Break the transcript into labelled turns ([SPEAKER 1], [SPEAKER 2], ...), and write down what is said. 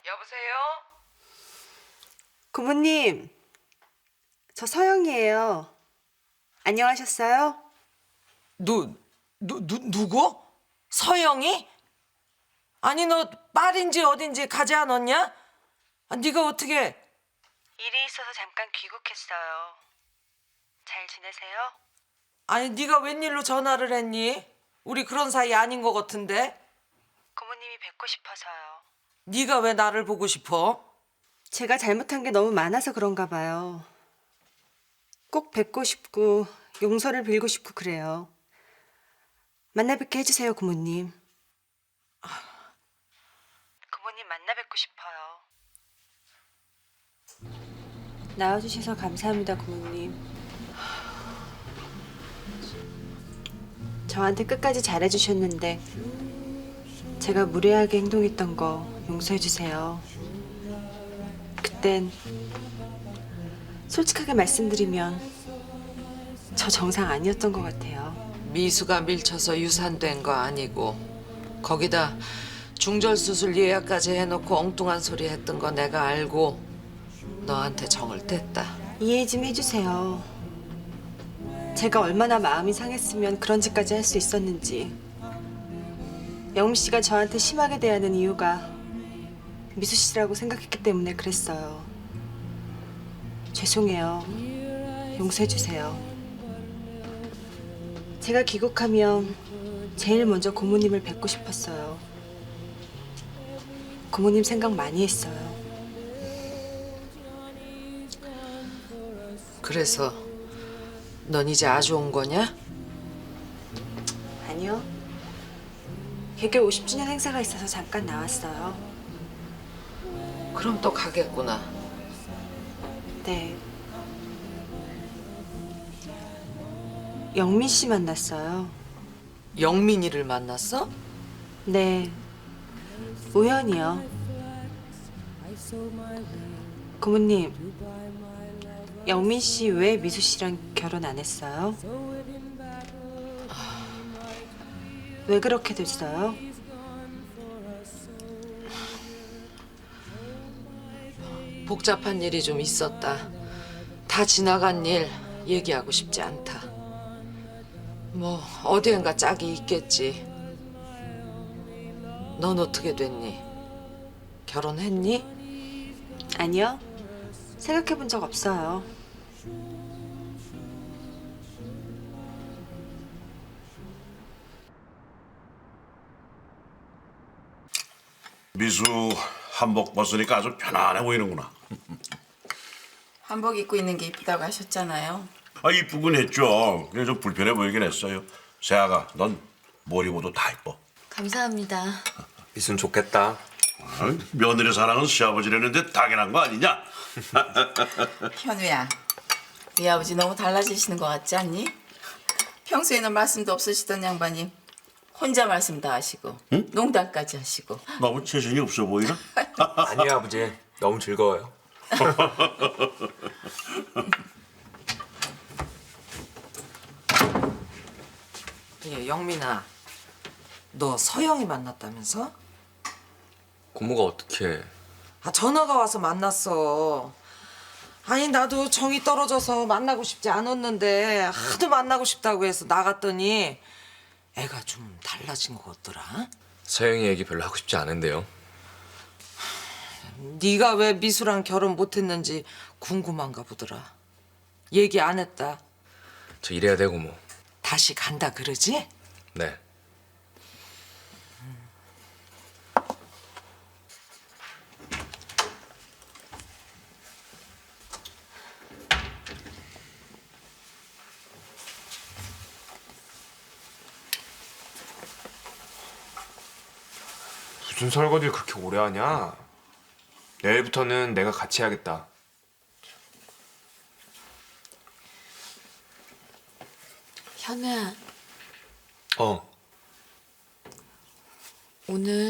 [SPEAKER 1] 여보세요?
[SPEAKER 2] 고모님, 저 서영이에요. 안녕하셨어요?
[SPEAKER 1] 누구? 서영이? 아니 너 딸인지 어딘지 가지 않았냐? 아, 네가 어떻게?
[SPEAKER 2] 일이 있어서 잠깐 귀국했어요. 잘 지내세요?
[SPEAKER 1] 아니 네가 웬일로 전화를 했니? 우리 그런 사이 아닌 것 같은데?
[SPEAKER 2] 고모님이 뵙고 싶어서요.
[SPEAKER 1] 네가 왜 나를 보고 싶어?
[SPEAKER 2] 제가 잘못한 게 너무 많아서 그런가 봐요. 꼭 뵙고 싶고 용서를 빌고 싶고 그래요. 만나 뵙게 해주세요, 고모님. 고모님 만나 뵙고 싶어요. 나와주셔서 감사합니다, 고모님. 저한테 끝까지 잘해주셨는데 제가 무례하게 행동했던 거 용서해주세요. 그땐 솔직하게 말씀드리면 저 정상 아니었던 것 같아요.
[SPEAKER 1] 미수가 밀쳐서 유산된 거 아니고 거기다 중절 수술 예약까지 해놓고 엉뚱한 소리 했던 거 내가 알고 너한테 정을 뗐다.
[SPEAKER 2] 이해 좀 해주세요. 제가 얼마나 마음이 상했으면 그런 짓까지 할 수 있었는지. 영미 씨가 저한테 심하게 대하는 이유가 미수 씨라고 생각했기 때문에 그랬어요. 죄송해요. 용서해 주세요. 제가 귀국하면 제일 먼저 고모님을 뵙고 싶었어요. 고모님 생각 많이 했어요.
[SPEAKER 1] 그래서 넌 이제 아주 온 거냐?
[SPEAKER 2] 아니요. 개교 50주년 행사가 있어서 잠깐 나왔어요.
[SPEAKER 1] 그럼 또 가겠구나.
[SPEAKER 2] 네. 영민 씨 만났어요.
[SPEAKER 1] 영민이를 만났어?
[SPEAKER 2] 네. 우연이요. 고모님, 영민 씨 왜 미수 씨랑 결혼 안 했어요? 왜 그렇게 됐어요?
[SPEAKER 1] 복잡한 일이 좀 있었다. 다 지나간 일 얘기하고 싶지 않다. 뭐 어디엔가 짝이 있겠지. 넌 어떻게 됐니? 결혼했니?
[SPEAKER 2] 아니요. 생각해 본 적 없어요.
[SPEAKER 3] 미수 한복 벗으니까 아주 편안해 보이는구나.
[SPEAKER 4] 한복 입고 있는 게 이쁘다고 하셨잖아요.
[SPEAKER 3] 아 이쁘긴 했죠. 그냥 좀 불편해 보이긴 했어요. 세아가 넌 뭘 입어도 다 이뻐.
[SPEAKER 5] 감사합니다.
[SPEAKER 6] 미순 좋겠다.
[SPEAKER 3] 아, 며느리 사랑은 시아버지라는데 당연한 거 아니냐?
[SPEAKER 4] 현우야, 네 아버지 너무 달라지시는 것 같지 않니? 평소에는 말씀도 없으시던 양반이 혼자 말씀 다 하시고 농담까지 하시고.
[SPEAKER 3] 너무 재신이 없어 보이나?
[SPEAKER 6] 아니에요 아버지. 너무 즐거워요.
[SPEAKER 1] 예, 영민아, 너 서영이 만났다면서?
[SPEAKER 6] 고모가 어떻게?
[SPEAKER 1] 아, 전화가 와서 만났어. 아니 나도 정이 떨어져서 만나고 싶지 않았는데 하도 만나고 싶다고 해서 나갔더니 애가 좀 달라진 것 같더라.
[SPEAKER 6] 서영이 얘기 별로 하고 싶지 않은데요.
[SPEAKER 1] 네가 왜 미수랑 결혼 못했는지 궁금한가 보더라. 얘기 안 했다.
[SPEAKER 6] 저 이래야 돼 고모.
[SPEAKER 1] 다시 간다 그러지?
[SPEAKER 6] 네.
[SPEAKER 7] 무슨 설거지를 그렇게 오래 하냐? 내일부터는 내가 같이 해야겠다.
[SPEAKER 5] 현우야,
[SPEAKER 6] 어.
[SPEAKER 5] 오늘